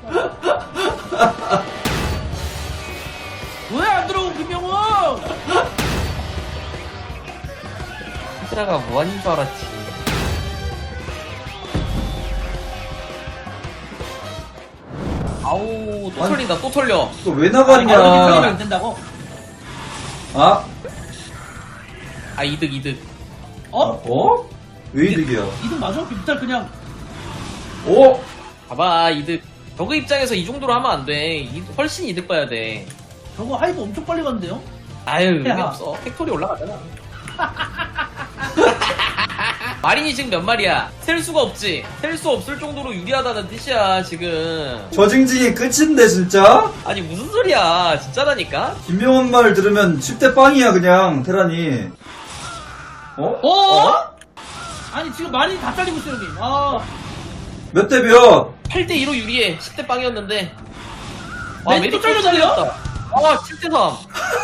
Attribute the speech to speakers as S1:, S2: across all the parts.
S1: 왜 안 들어오고 김명훈?
S2: 테라가 무한인 줄 알았지. 아우 또 털린다 또 털려.
S3: 또 왜
S1: 털리면
S3: 나가냐?
S1: 안 된다고?
S3: 아?
S2: 아 이득.
S1: 어?
S3: 어? 왜 이득이야?
S1: 이등 맞아? 김탈 그냥
S3: 오?
S2: 봐봐 이득. 저그 입장에서 이 정도로 하면 안 돼. 훨씬 이득 봐야 돼.
S1: 저거 하이브 엄청 빨리 갔는데요?
S2: 아유 의미
S1: 야.
S2: 없어. 팩토리 올라가잖아. 마린이 지금 몇 마리야? 셀 수가 없지. 셀 수 없을 정도로 유리하다는 뜻이야 지금.
S3: 저 징징이 끝인데 진짜?
S2: 아니 무슨 소리야 진짜라니까.
S3: 김명훈 말 들으면 10대 빵이야 그냥 테란이. 어?
S1: 어? 아니 지금 많이 다 잘리고 있어요 형님. 아
S3: 몇 대 몇?
S2: 8대2로 유리해. 10대 빵이었는데.
S1: 맨 또 잘렸는데요?
S2: 아 7대3.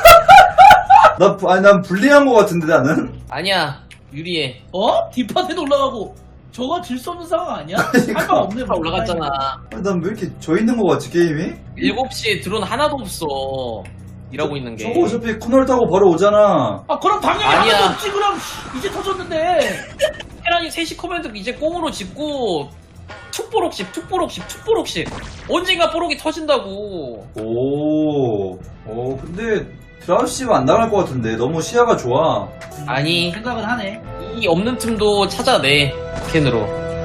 S3: 아니 난 불리한 거 같은데 나는?
S2: 아니야 유리해.
S1: 어? 뒷판에도 올라가고 저거 질 수 없는 상황 아니야?
S3: 그러니까.
S1: 할 말 없네.
S2: 다 올라갔잖아.
S3: 아니 난 왜 이렇게 져 있는 거 같지 게임이?
S2: 7시에 드론 하나도 없어. 일하고 있는 게.
S3: 저거 어차피 코널 타고 바로 오잖아.
S1: 아 그럼 당연히
S2: 아니야.
S1: 하나도 없지 그럼 이제 터졌는데.
S2: 테란이 3시 커맨드 이제 꽁으로 짓고 툭보록씩 언젠가 뽀록이 터진다고.
S3: 오, 근데 드라우시가 안 나갈 것 같은데 너무 시야가 좋아.
S2: 아니
S1: 생각은 하네.
S2: 이 없는 틈도 찾아내 스캔으로.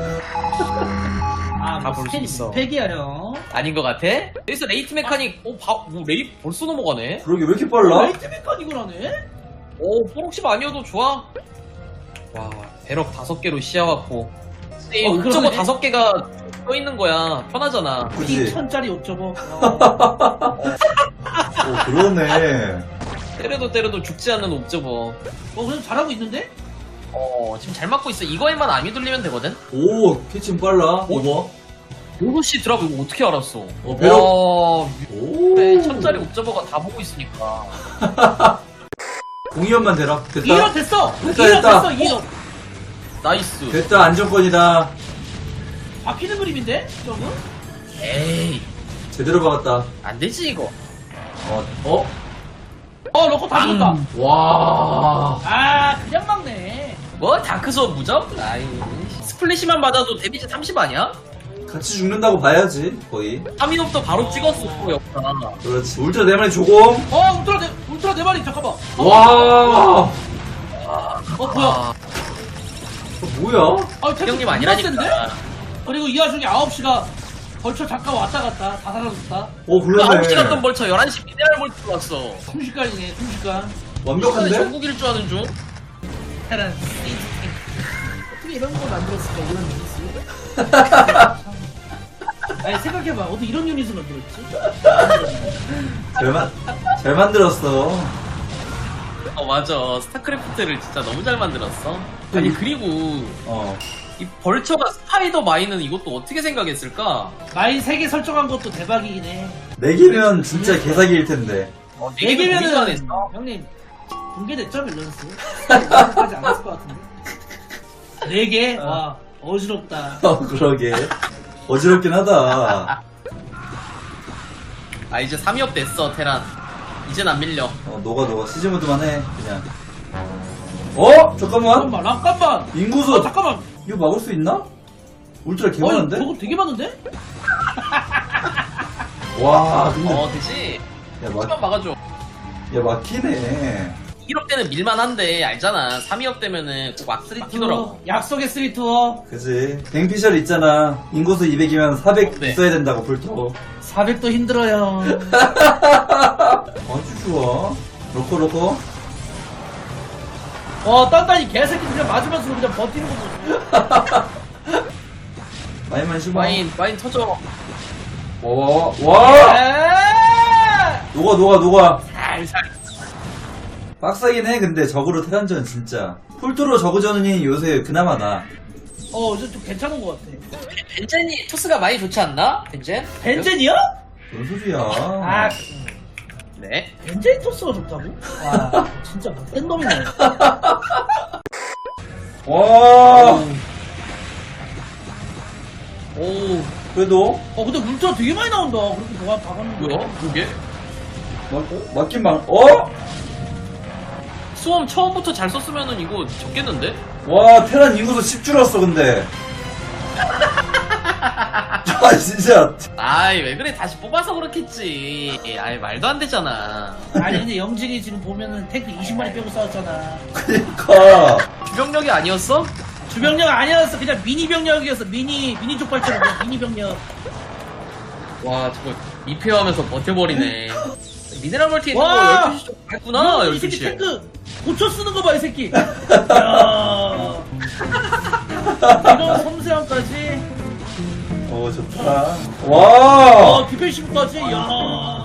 S1: 아,
S2: 다 볼수 있어.
S1: 팩이야 형.
S2: 아닌 것 같아? 여기서 레이트 메카닉 레이 벌써 넘어가네?
S3: 그러게 왜 이렇게 빨라?
S1: 라이트 메카닉을 하네?
S2: 오 뽀록십 아니어도 좋아. 와 배럭 5개로 시야갖고 옥저버
S1: 그러네.
S2: 5개가 떠있는 거야. 편하잖아.
S3: 그지?
S1: 2천짜리 옥저버.
S3: 오, 그러네.
S2: 때려도 죽지 않는 옥저버.
S1: 그냥 잘하고 있는데?
S2: 지금 잘 맞고 있어. 이거에만 안 휘둘리면 되거든?
S3: 오, 캐칭 빨라. 오버.
S2: 6시 드랍 이거 어떻게 알았어?
S3: 배럭.
S2: 와,
S3: 오.
S2: 네, 천짜리 옥저버가 다 보고 있으니까.
S3: 공이연만 되라. 됐다.
S1: 2년 됐어!
S3: 됐다,
S1: 2년
S3: 됐다.
S1: 됐어, 2년.
S2: 나이스.
S3: 됐다, 안정권이다.
S1: 막히는 그림인데? 저거?
S2: 에이,
S3: 제대로 박았다.
S2: 안 되지, 이거.
S1: 러커 다 죽었다.
S3: 와.
S1: 아, 그냥 막네.
S2: 뭐, 다크소 무적? 아이, 스플래시만 맞아도 데미지 30 아니야?
S3: 같이 죽는다고 봐야지, 거의.
S2: 3인업도 바로 찍었어, 역사.
S3: 그렇지. 울트라 네 마리 조공.
S1: 울트라 네 마리, 잠깐만.
S3: 와.
S1: 뭐야?
S3: 뭐야?
S2: 형님
S1: 존나
S2: 아니라니까.
S1: 센데? 그리고 이 와중에 9시가 벌써 잠깐 왔다 갔다 다 사라졌다.
S3: 오,
S2: 그
S3: 그러네.
S2: 9시 갔던 벌써 11시 미네랄 볼트 왔어.
S1: 순식간이네, 순식간.
S3: 완벽한데?
S2: 전국일 줄 아는 중?
S1: 테란. 어떻게 이런 걸 만들었을까, 이런 유닛을? 아니, 생각해봐. 어떻게 이런 유닛을 만들었지?
S3: 잘 만들었어.
S2: 맞아. 스타크래프트를 진짜 너무 잘 만들었어. 아니, 그리고 이 벌처가 스파이더 마인은 이것도 어떻게 생각했을까?
S1: 마인 3개 설정한 것도 대박이긴 해.
S3: 4개면 진짜 개사기일 텐데.
S1: 4개면은,
S2: 했어.
S1: 형님, 공개됐죠, 밸런스? 까지 안 했을 것 같은데. 4개? 와, 어지럽다.
S3: 그러게. 어지럽긴 하다.
S2: 아, 이제 3위업 됐어, 테란. 이젠 안 밀려.
S3: 녹아. 시즈모드만 해, 그냥. 잠깐만.
S1: 잠깐만.
S3: 인구수.
S1: 잠깐만.
S3: 이거 막을 수 있나? 울트라 개 많은데?
S1: 저거 되게 많은데?
S3: 와, 근데.
S2: 그치?
S3: 야,
S2: 한번 막아줘.
S3: 막히네.
S2: 1업 때는 밀만한데, 알잖아. 3위업 되면은 꼭 막스리 튀더라고.
S1: 약속의 3투어.
S3: 그지. 뱅피셜 있잖아. 인구수 200이면 400
S2: 네.
S3: 있어야 된다고, 불토.
S1: 400도 힘들어요.
S3: 아주 좋아. 로코.
S1: 딴딴이 개새끼 그냥 맞으면서 그냥 버티는 거 보소.
S3: 마인만 씹어.
S2: 마인 터져.
S3: 와. 녹아.
S2: 살살.
S3: 빡세긴 해, 근데 적으로 테란전 진짜. 풀토로 저그전이 요새 그나마 나.
S1: 이제 좀 괜찮은 것 같아.
S2: 벤젠이 토스가 많이 좋지 않나? 벤젠?
S1: 벤젠이야?
S3: 뭔 소리야.
S2: 네.
S1: 벤젠 토스가 좋다고? 와, 진짜 센 놈이네.
S3: 와.
S2: 오.
S3: 그래도
S1: 근데 울트라 되게 많이 나온다. 그렇게 박았는 거.
S2: 뭐야? 그게?
S3: 맞긴 어?
S2: 수험 처음부터 잘 썼으면은 이거 적겠는데?
S3: 와 테란 인구수 10 줄었어 근데. 아 진짜.
S2: 아이 왜 그래 다시 뽑아서 그렇겠지. 아이 말도 안 되잖아.
S1: 아니 근데 영진이 지금 보면은 탱크 20마리 빼고 싸웠잖아.
S3: 그니까.
S2: 주병력이 아니었어?
S1: 주병력 아니었어. 그냥 미니 병력이었어. 미니 족발처럼 그냥 미니 병력.
S2: 와 저거 미페어하면서 버텨버리네. 미네랄 멀티 있는 거
S1: 와!
S2: 12시 좀 했구나.
S1: 이 새끼
S2: 12시에.
S1: 탱크 고쳐 쓰는 거 봐 이 새끼. 야. 이런 섬세함까지.
S3: 좋다. 와.
S1: 디펜시브까지. 야.